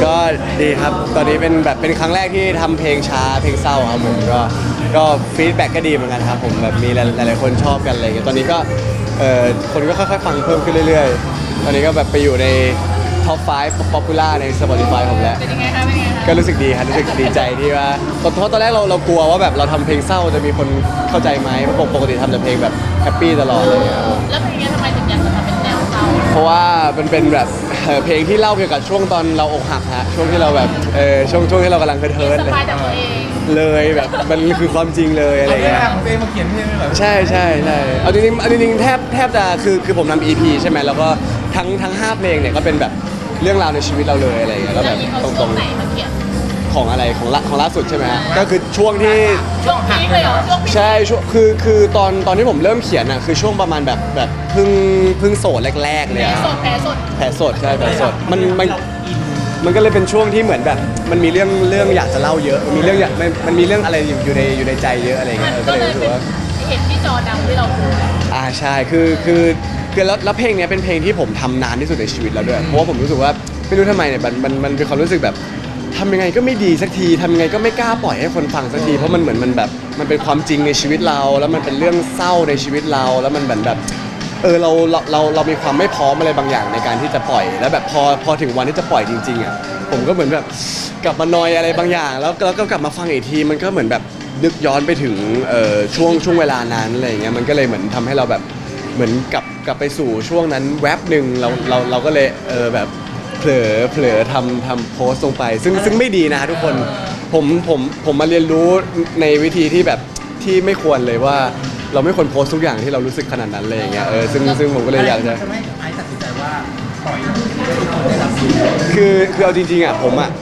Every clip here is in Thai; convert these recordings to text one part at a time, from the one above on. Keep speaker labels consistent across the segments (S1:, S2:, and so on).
S1: ก็ดีครับตอนนี้เป็นครั้งแรกที่ทำเพลงช้าเพลงเศร้าครับผมก็ฟีดแบ็กก็ดีเหมือนกันครับผมแบบมีหลายๆคนชอบกันอะไรเงี้ยตอนนี้ก็คนก็ค่อยๆฟังเพิ่มขึ้นเรื่อยๆตอนนี้ก็แบบไปอยู่ในท็อป 5 ป๊อปปูล่าใน Spotify ผมแล้ว
S2: เป็นยังไงคะเป็นยังไงคะ
S1: ก็รู้สึกดีครับรู้สึกดีใจที่ว่าเพราะตอนแรกเรากลัวว่าแบบเราทำเพลงเศร้าจะมีคนเข้าใจไหมเพราะปกติทำแต่เพลงแบบแฮปปี้ตลอดเลยครับ
S2: แล้วเพลงนี้ทำไมถึงอยากจะทำเป็นแนวเศร้า
S1: เพราะว่ามันเป็นแบบเพลงที่เล่าเกี่ยวกับช่วงตอนเราอกหักฮะช่วงที่เราแบบช่วงที่เรากำลังเทิร์น
S2: ส
S1: เลย
S2: บายจากตัวเอง
S1: เลยแบบมันคือความจริงเลยอะไร
S3: เอาเรื่
S1: เงี้
S3: อย งของตัวเองมาเขียนเพลงเลยเหรอ
S1: ใช่เอาจริงๆแทบจะคือผมทำ EP ใช่ไหมแล้วก็ทั้ง5เพลงเนี่ยก็เป็นแบบเรื่องราวในชีวิตเราเลยอะไรเงี้ยแล้ว
S2: แล้
S1: แบ
S2: ว
S1: บ
S2: นี่เขา
S1: ต
S2: ช่
S1: ร
S2: วง
S1: ง
S2: ไหนมาเขียน
S1: ๆของอะไรของล่าสุดใช่ไหมฮะก็คือช่วงที่
S2: ช่วงพีคเลยเหรอช่วงพีค
S1: ใช่ช่วงคือตอนที่ผมเริ่มเขียนอ่ะคือช่วงประมาณแบบเพิ่งโสดแรกๆเลย
S2: แผล
S1: อะ
S2: สดแผลสด
S1: แผลสดใช่แผลสดมันก็เลยเป็นช่วงที่เหมือนแบบมันมีเรื่องอยากจะเล่าเยอะมันมีเรื่องอะไรอยู่ในใจเยอะอะไร
S2: มั
S1: เงี้
S2: น
S1: ย
S2: ก็
S1: ก็เล
S2: เลย ย
S1: รู้สึ
S2: เป็
S1: ก
S2: น
S1: ว่า
S2: เห็นที่จอดำที่เราพูด
S1: ใช่คือแล้วเพลงเนี้ยเป็นเพลงที่ผมทำนานที่สุดในชีวิตแล้วด้วยเพราะว่าผมรู้สึกว่าไม่รู้ทำไมเนี่ยมันเป็นความรู้สึกแบบทำยังไงก็ไม่ดีสักทีทำยังไงก็ไม่กล้าปล่อยให้คนฟังสักทีเพราะมันเหมือนมันแบบมันเป็นความจริงในชีวิตเรา แล้วมันเป็นเรื่องเศร้าในชีวิตเราแล้วมันเหมือนแบบเรามีความไม่พร้อมอะไรบางอย่างในการที่จะปล่อย แล้วแบบพอถึงวันที่จะปล่อยจริงๆอ่ะผมก็เหมือนแบบกลับมานอยอะไรบางอย่างแล้วก็กลับมาฟังอีกทีมันก็เหมือนแบบนึกย้อนไปถึงช่วงเวลานั้นอะไรอย่างเงี้ยมันก็เลยเหมือนทำให้เราแบบเหมือนกลับไปสู่ช่วงนั้นแวบหนึ่งเราก็เลยแบบเผลอทำโพสต์ลงไปซึ่งไม่ดีนะทุกคนผมมาเรียนรู้ในวิธีที่แบบที่ไม่ควรเลยว่าเราไม่ควรโพสต์ทุกอย่างที่เรารู้สึกขนาดนั้นเลยอย่างเงี้ยซึ่งผมก็เลยอยากจะ
S3: ไม่ไอ้ตัดสินใจว่าปล่อยให้ทุกคนได้รับรู้
S1: คือเอาจริงๆอ่ะผมอ่ะ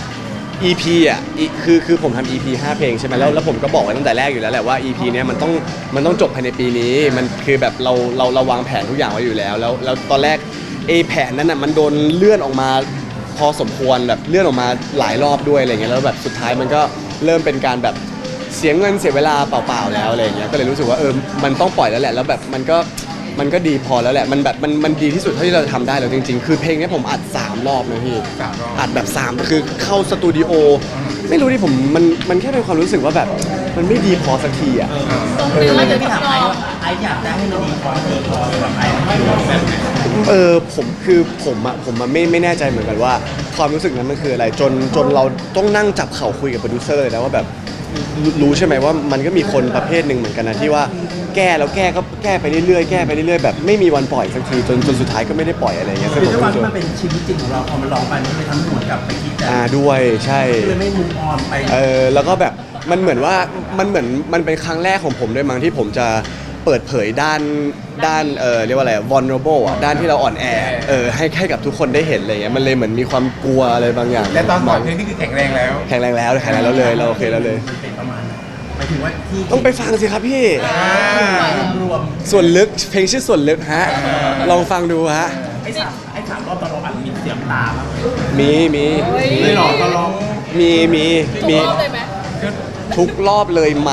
S1: EP อ่ะคือผมทำ EP 5 เพลงใช่ไหมแล้วผมก็บอกไว้ตั้งแต่แรกอยู่แล้วแหละว่า EP เนี้ยมันต้องจบภายในปีนี้มันคือแบบเราวางแผนทุกอย่างไว้อยู่แล้วตอนแรกแผนนั้นอ่ะมันโดนเลื่อนออกมาพอสมควรแบบเลื่อนออกมาหลายรอบด้วยอะไรเงี้ยแล้วแบบสุดท้ายมันก็เริ่มเป็นการแบบเสียเงินเสียเวลาเปล่าๆแล้วอะไรเงี้ยก็เลยรู้สึกว่ามันต้องปล่อยแล้วแหละแล้วแบบมันก็ดีพอแล้วแหละมันแบบมันดีที่สุดเท่าที่เราจะทำได้แล้วจริงๆคือเพลงนี้ผมอัด3 รอบนะพี่อัดแบบ3คือเข้าสตูดิโอไม่รู้ดิผมมันแค่เป็นความรู้สึกว่าแบบมันไม่ดีพอสักทีอ่ะ
S2: ตรงนี้มันจะ
S3: ที่
S2: ต้อ
S3: ถาง ม
S2: ย
S3: ไอ้
S2: อม
S3: ว่าไอ้อยากได้ให้มันดีพอแบบไอ้ไม่รู้แบบไหน
S1: ผมไม่แน่ใจเหมือนกันว่าความรู้สึกนั้นมันคืออะไรจนเราต้องนั่งจับเข่าคุยกับโปรดิวเซอร์เลยนะว่าแบบรู้ใช่ไหมว่ามันก็มีคนประเภทหนึ่งเหมือนกันนะที่ว่าแก้แล้วก็แก้ไปเรื่อยๆแบบไม่มีวันปล่อยสักทีจนสุดท้ายก็ไม่ได้ปล่อยอะไรเงี้ย
S3: คือด้วยความที่มันเป็นชีวิตจริงของเราพอมันร้องไปมันเลยทำให้หวนกลับไปคิดแต่
S1: ด้วยใช่
S3: ก็เลยไม่มุมออนไป
S1: แล้วก็แบบมันเหมือนมันเป็นครั้งแรกของผมด้วยมั้งที่ผมจะเปิดเผยด้านเรียกว่าอะไร vulnerable อ่ะด้านที่เราอ่อนแอให้กับทุกคนได้เห็นอะไรเงี้ยมันเลยเหมือนมีความกลัวอะไรบางอย่าง
S3: และตอนปล่อยเพลงนี่คือแข็งแรงแล้ว
S1: แข็งแรงแล้วเลยเราโอเคแล้วเลย
S3: มันเป็นประมาณหมายถึงว่าที่
S1: ต้องไปฟังสิครับพี่
S3: รวม
S1: ส่วนลึกเพลงชื่อส่วนลึกฮะลองฟังดูฮะ
S3: ไอ้สามรอบตอนเราอัดมีเสียงตาบ้างไหม
S1: มี
S3: ไม่หรอกตอนร้อง
S1: มี
S2: ถูกรอบเลยไหม
S1: ทุกรอบเลยไหม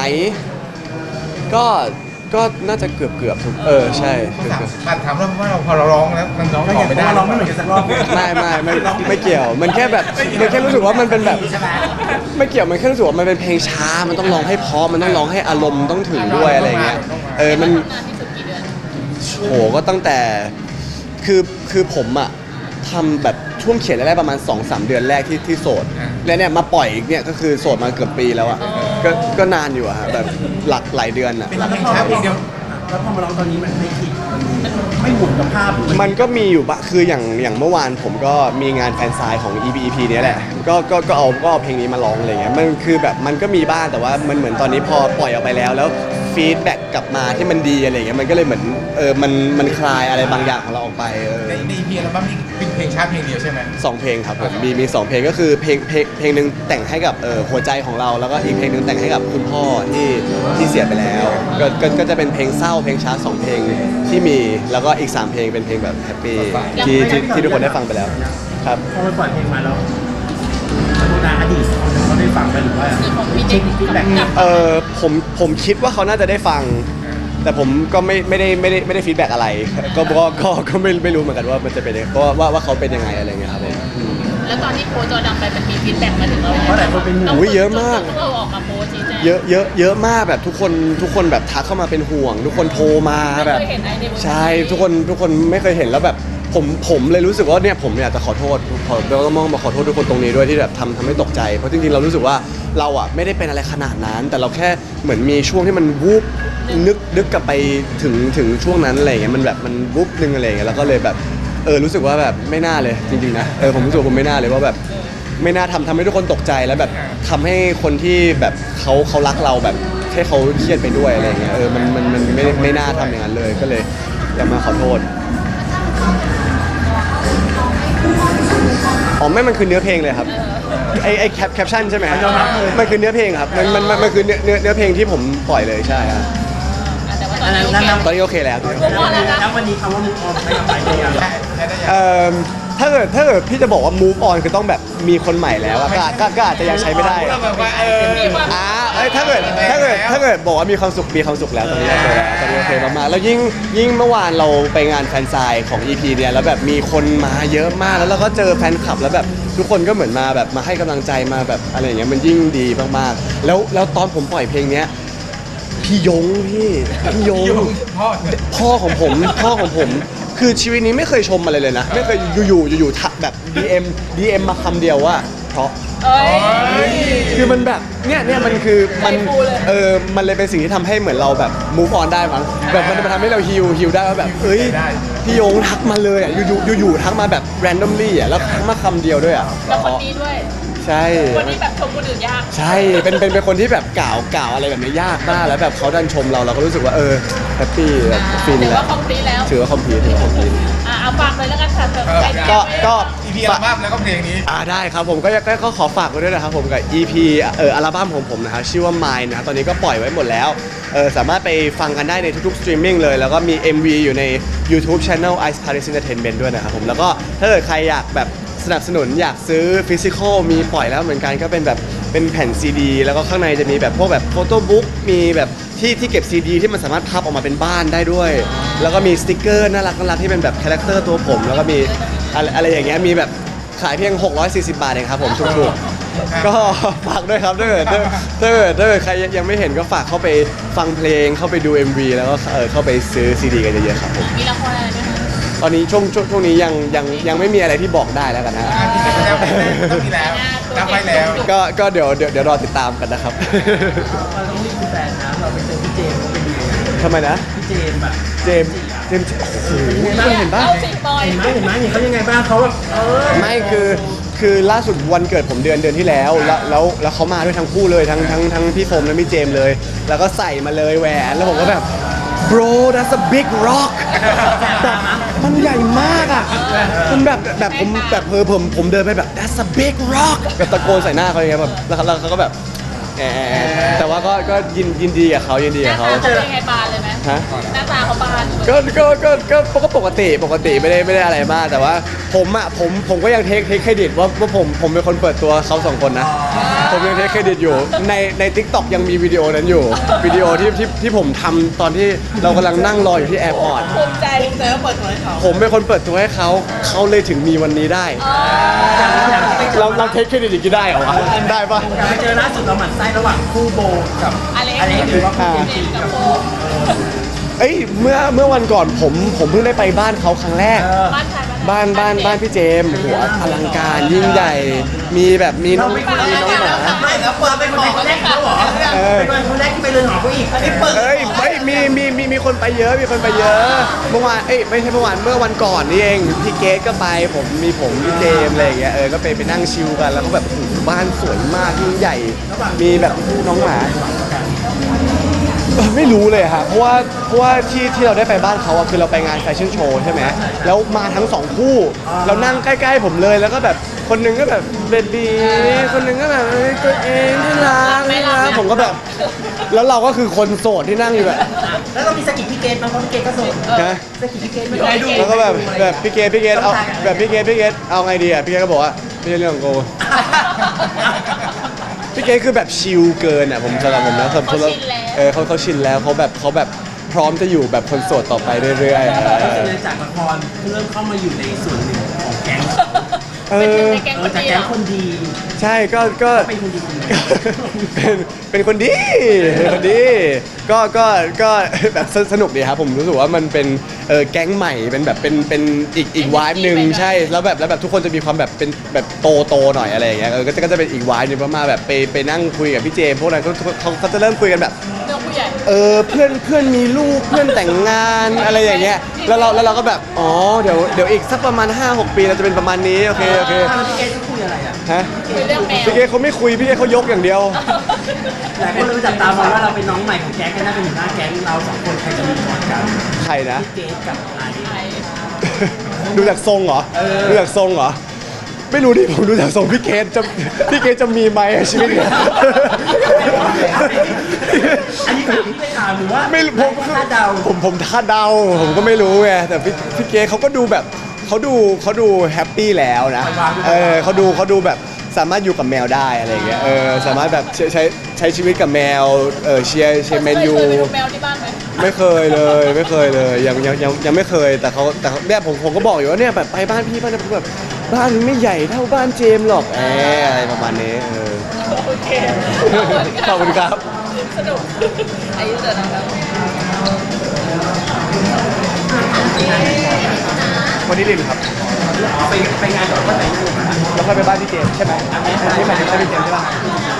S1: ก็น่าจะเกือบทุกใช่เกือบ
S3: ถามว่าเราพอเราร้องแล้วมันร้องออกไม่ได้ร้องไม่เหมือนกันสักรอบ
S1: ไม่เกี่ยวมันแค่แบบมันแค่รู้สึกว่ามันเป็นแบบ
S3: ใช่ไหม
S1: ไม่เกี่ยวมันแค่รู้สึกว่ามันเป็นเพลงช้ามันต้องร้องให้เพราะมันต้องร้องให้อารมณ์ต้องถึงด้วยอะไรเงี้ยมัน
S2: นานที่สุดกี่เดือน
S1: โหก็ตั้งแต่คือผมอะทำแบบช่วงเขียนแรกๆประมาณ 2-3 เดือนแรกที่โสดแล้วเนี่ยมาปล่อยอีกเนี่ยก็คือโสดมาเกือบปีแล้วอะก็นานอยู่อะฮะแบบหลายเดือนอะ
S3: เป็นเพลงช้าเพลงเดียวแล้วพอมาร้องตอนนี้มันไม่คิดมันไม่หมุนกับภาพ
S1: มันก็มีอยู่บะคืออย่างเมื่อวานผมก็มีงานแฟนไซน์ของ EP เนี้ยแหละก็เอาเพลงนี้มาร้องอะไรเงี้ยมันคือแบบมันก็มีบ้างแต่ว่ามันเหมือนตอนนี้พอปล่อยออกไปแล้วฟีดแบ็กกลับมาที่มันดีอะไรเงี้ยมันก็เลยเหมือนมันคลายอะไรบางอย่างของเราออกไป
S3: ใน EP อัลบั้มนี้เป็นเพลงช้าเพลงเดียวใช่ไหม
S1: 2 เพลงครับผมมี2 เพลงก็คือเพลงหนึ่งแต่งให้กับหัวใจของเราแล้วก็อีกเพลงหนึ่งแต่งให้กับคุณพ่อที่เสียไปแล้วก็จะเป็นเพลงเศร้าเพลงช้า2 เพลงที่มีแล้วก็อีก3 เพลงเป็นเพลงแบบแฮปปี้ที่ทุกคนได้ฟังไปแล้วครับ
S3: พอมันปล่อยเพลงมาแล้วอดีตเขาได้ฟังไปหรือว่า
S2: คือของพี่
S3: เช็
S2: เด็
S3: ค
S2: ก
S3: ฟีดแบ็ก
S2: กลับ
S1: ผมคิดว่าเขาน่าจะได้ฟัง แต่ผมก็ไม่ได้ฟีดแบ็กอะไรก็ไม่รู้เหมือนกันว่ามันจะเป็นยังไงว่าเขาเป็นยังไงอะไรเงี้ยครับผม
S2: แแล้วตอนที่โพสต์จอดำไปมันมีฟีดแบ็กมาถึงเราไหม
S3: เพราะหลายคนเป็นห่วง
S1: อุ๊ยเยอะมาก
S2: ต้องเราออกมาโพสต์ชี้แจง
S1: เยอะมากแบบทุกคนแบบทักเข้ามาเป็นห่วง ทุกคนโทรมาแบบ
S2: ไม่เคยเห็นไอ้ในเวอร์ชัน
S1: ใช่ทุกคนไม่เคยเห็นแล้วแบบผมเลยรู้สึกว่าเนี่ยผมอยากจะขอโทษเราต้องมาขอโทษทุกคนตรงนี้ด้วยที่แบบทำให้ตกใจเพราะจริงๆเรารู้สึกว่าเราอ่ะไม่ได้เป็นอะไรขนาดนั้น แต่เราแค่เหมือนมีช่วงที่มันวูบนึกกลับไปถึงช่วงนั้นอะไรอย่างเงี้ยมันแบบมันวูบนึงอะไรอย่างเงี้ยแล้วก็เลยแบบรู้สึกว่าแบบไม่น่าเลยจริงๆนะผมรู้สึกว่าผมไม่น่าเลยว่าแบบไม่น่าทำให้ทุกคนตกใจแล้วแบบทำให้คนที่แบบเขารักเราแบบให้เขาเครียดไปด้วยอะไรอย่างเงี้ยมันไม่น่าทำอย่างนั้นเลยก็เลยอยากมาขอโทษอ๋อไม่มันคือเนื้อเพลงเลยครับไอแคปชั่นใช่ไหมมันคือเนื้อเพลงครับมันคือเนื้อเพลงที่ผมปล่อยเลยใช่ครับ
S2: แต่ว่าตอนนี้โอเค
S1: ตอนนี้โอเคแล้ว
S3: แล้ววันนี้คำว่ามุกออนไม่กลับไปเป็นยังไง
S1: ถ้าเกิดพี่จะบอกว่า move on คือต้องแบบมีคนใหม่แล้วอะก็อาจจะยังใช้ไม่ได้
S4: แบบว่า
S1: ถ้าเกิดบอกว่ามีความสุขแล้วตอนนี้โอเคแล้วตอนนี้โอเคมากๆแล้วยิ่งเมื่อวานเราไปงานแฟนไซน์ของ EP เนี่ยแล้วแบบมีคนมาเยอะมากแล้วเราก็เจอแฟนคลับแล้วแบบทุกคนก็เหมือนมาแบบมาให้กำลังใจมาแบบอะไรอย่างเงี้ยมันยิ่งดีมากๆแล้วตอนผมปล่อยเพลงเนี้ยพี่ยงพ่อของผมคือชีวิตนี้ไม่เคยชมอะไรเลยนะไม่เคยอยู่แบบ DM มาคำเดียวว่าเพราะ
S2: เอ้ย
S1: คือมันแบบเนี่ยมันคือมัน
S2: ใจฟูเลย
S1: มันเลยเป็นสิ่งที่ทำให้เหมือนเราแบบ move on ได้มั้งแบบมันทำให้เราฮิวได้ว่าแบบพี่โยงทักมาเลยอ่ะอยู่ทักมาแบบ randomly อ่ะแล้วทักมาคำเดียวด้วยอ่ะ
S2: แล้วคนนี้ด้วย
S1: ใช่
S2: คนที่แบบชมคนอื่นยาก
S1: ใช่เป็นคนที่แบบกล่าวอะไรแบบนี้ยากมากแล้วแบบเขาดันชมเราก็รู้สึกว่าแฮปปี้แบบฟิน
S2: ถือ
S1: แล้
S2: ว่าว คอมพลีทแล้ว
S1: ถือว่าคอมพลีท
S2: เอาฝากเลยแล้วกันค่ะใคร
S1: ก็
S4: อีพีอัลบั้มแล้วก็เพลงนี้
S1: ได้ครับผมก็ขอฝากไว้ด้วยนะครับผมกับ EP อัลบั้มของผมนะครับชื่อว่า Mine นะครับตอนนี้ก็ปล่อยไว้หมดแล้วสามารถไปฟังกันได้ในทุกๆสตรีมมิ่งเลยแล้วก็มี MV อยู่ใน YouTube Channel Ice Paris Entertainment ด้วยนะครับผมแล้วก็ถ้าเกิดใครอยากแบบสนับสนุนอยากซื้อฟิสิกอลมีปล่อยแล้วเหมือนกันก็เป็นแบบเป็นแผ่นซีดีแล้วก็ข้างในจะมีแบบพวกแบบโฟโต้บุ๊กมีแบบที่เก็บซีดีที่มันสามารถพับออกมาเป็นบ้านได้ด้วย แล้วก็มีสติกเกอร์น่ารักที่เป็นแบบคาแรคเตอร์ตัวผมแล้วก็มีอะไรอย่างเงี้ยมีแบบขายเพียง640 บาทเองครับผมถูกๆก็ฝากด้วยครับถ้าเกิดใครยังไม่เห็นก็ฝากเข้าไปฟังเพลงเข้าไปดู MV แล้วก็เข้าไปซื้อซีดีกันเยอะๆครับผม
S2: มีละครอะไรไหมคะ
S1: ตอนนี้ช่วงนี้ยังไม่มีอะไรที่บอกได้แล้วกันนะ
S4: ต้องมีแล้วรับไว้แล้ว
S1: ก็เดี๋ยวรอติดตามกันนะครับ
S3: เราต้องรีบมีแฟนนะเราไปเจอพี่เจมส์เขาเป็นยังไง
S1: ทำไมนะ
S3: พี่เจมส์อะ
S1: เจมส์โอ้โหเห็นปะ
S2: เอาสิบอย
S3: เห็นไหมเขายังไงบ้างเขาแบบ
S1: ไม่คือล่าสุดวันเกิดผมเดือนที่แล้วแล้วเขามาด้วยทั้งคู่เลยทั้งพี่โฟมและพี่เจมส์เลย แล้วก็ใส่มาเลยแหวนแล้วผมก็แบบ bro that's a big rock แบบมันใหญ่มากอ่ะมันแบบผมเดินไปแบบ that's a big rock แบบตะโกนใส่หน้าเขาอย่างเงี้ยแบบแล้วเขาก็แบบแต่ว่าก็ยินดีกับเขา
S2: หน้าตาเขาเป็นยังไงบานเลยไหม
S1: ฮะ
S2: หน้าตาเขาบาน
S1: ก็ปกติไม่ได้อะไรมากแต่ว่าผมก็ยังเทคเครดิตว่าผมเป็นคนเปิดตัวเขาสองคนนะผมยังเทคเครดิตอยู่ใน TikTok ยังมีวิดีโอนั้นอยู่วิดีโอที่ผมทำตอนที่เรากำลังนั่งรออยู่ที่แอร์พอร์ต
S2: ภูมิใจ
S3: แล้วเปิดตัวให้เขา
S1: ผมเป็นคนเปิดตัวให้เขาเลยถึงมีวันนี้ได้ เราเทคเครดิตอย่างนี้ได้เหรอวะได้ปะ
S3: ไปเจอล่าสุดเราหมั่นไส้ระหว่างคู่โบกับ
S2: อเล็ก
S3: อเล็กหรือว่าคู่เจม
S2: เจ
S3: ส์
S2: มส์กับโฟม
S1: เอ้ยเมื่อวันก่อนผมเพิ่งได้ไปบ้านเขาครั้งแรก
S2: บ้านใคร
S1: บ้านพี่เจมส์หัวอลังการยิ่งใหญ่ มีแบบมีน้องหมา
S3: ไม่แล้วเปิดเป็นคนแรกเขาเหรอเป็นคนแรกที่ไปเรือนหอเขาอีกอันนี้เปิด
S1: เอ้ยมีคนไปเยอะเมื่อวานไม่ใช่เมื่อวานเมื่อวันก่อนนี่เองพี่เกสก็ไปผมพี่เจมส์อะไรอย่างเงี้ยก็ไปนั่งชิลกันแล้วก็แบบโอ้โหบ้านสวยมากยิ่งใหญ่ มีแบบน้องหมาไม่รู้เลยครับเพราะว่าที่เราได้ไปบ้านเขาอะคือเราไปงานแฟชั่นโชว์ใช่ไหมแล้วมาทั้งสองคู่เรานั่งใกล้ๆผมเลยแล้วก็แบบคนหนึงก็แบบเบบีคนหนึงก็แบบตัวเองที่รักผมก็แบบแล้วเราก็คือคนโสดที่นั่งอยู่แบบ
S3: แล้วเรามีสกิปพี่เกตมั้งเพราะพี่เกตก็ส่ง
S1: นะ
S3: สกิปพี่เกตไม่ได้ดู
S1: แล้วก็แบบพี่เกดเอาแบบพี่เกดเอาไงดีอะพี่เกดก็บอกว่าไม่ใช่เรื่องของกูพี่เกดคือแบบชิลเกินอะผมสำหรับผมนะเขาชินแล้วเขาแบบพร้อมจะอยู่แบบคนโสดต่อไปเรื่อยๆ
S3: ก็จะจากละครเริ่มเข้ามาอยู่ในส่วนหนึ่งของแก๊งเขา
S1: เอ
S2: เป็นห
S1: อ
S2: นึ่งในแก๊งคน
S3: จาก
S2: ดี
S3: แก๊
S2: เหรง อ
S3: คนดี
S1: ใช่ก็
S3: เป็นคนดีคนหนึง
S1: เป็นคนดีเป็นคนดีก็แบบสนุกดีครับผมรู้สึกว่ามันเป็นแก๊งใหม่เป็นแบบเป็นอีกวายหนึ่งใช่แล้วแบบทุกคนจะมีความแบบเป็นแบบโตหน่อยอะไรอย่างเงี้ยก็จะเป็นอีกวายหนึ่งประมาณแบบไปนั่งคุยกับพี่เจมส์พวกนั้นเขาจะเริ่มคุยกันแบบ
S2: เรื่องผู้ใหญ่
S1: เพื่อนมีลูกเพื่อนแต่งงานอะไรอย่างเงี้ยแล้วเราก็แบบอ๋อเดี๋ยวอีกสักประมาณ 5-6 ปีเราจะเป็นประมาณนี้โอเค
S3: แล้วพี่เกดจะคุยอะไรอ่ะ
S1: ฮะ
S2: คุยเรื่องแมว
S1: พี่เกเขาไม่คุยพี่เกเขายกอย่างเดียว
S3: หลายคนเลยจับตามองว่าเราเป็นน้องใหม่ของแก๊งกันน่าเป็นหัวหน้าแก๊งเราสองคนใครจะมีก่อนกัน
S1: ใครนะ
S3: พี่เกดกับไอซ์
S2: ไอ้
S1: ดูจากทรงเหรอ ดูจากทรงเหรอ ไม่รู้ดิผมดูจากทรงพี่เกจะมีไหมอะชีวิตเนี่ย
S3: อันนี้คือพี่ไปถามหรือว่า
S1: ไม่รู้ผม
S3: คาดเดา
S1: ผมคาดเดาผมก็ไม่รู้ไงแต่พี่เกเขาก็ดูแบบเขาดูแฮปปี้แล้วนะเขาดูแบบสามารถอยู่กับแมวได้อะไรอย่างเงี้ยสามารถแบบใช้ชีวิตกับแมวเชียร์แมนยู
S2: เคยไปดูแมวที่บ้านไหม
S1: ไม่เคยเลยยังไม่เคยแต่เขาเนี่ยผมก็บอกอยู่ว่าเนี่ยแบบไปบ้านพี่บ้านแบบบ้านไม่ใหญ่เท่าบ้านเจมส์หรอกอะไรประมาณนี้
S2: โอเค
S1: ขอบคุณครับ
S2: สนุกอายุเดินนะครับ
S1: วันนี้ลินครับ
S3: ไปงานก่อนก็แต่งงาน
S1: แล้วค่อยไปบ้านพี่เจมส์ใช่ไหมอันนี้หมายถึงใช่พี่เจมส์ใช่ป่ะ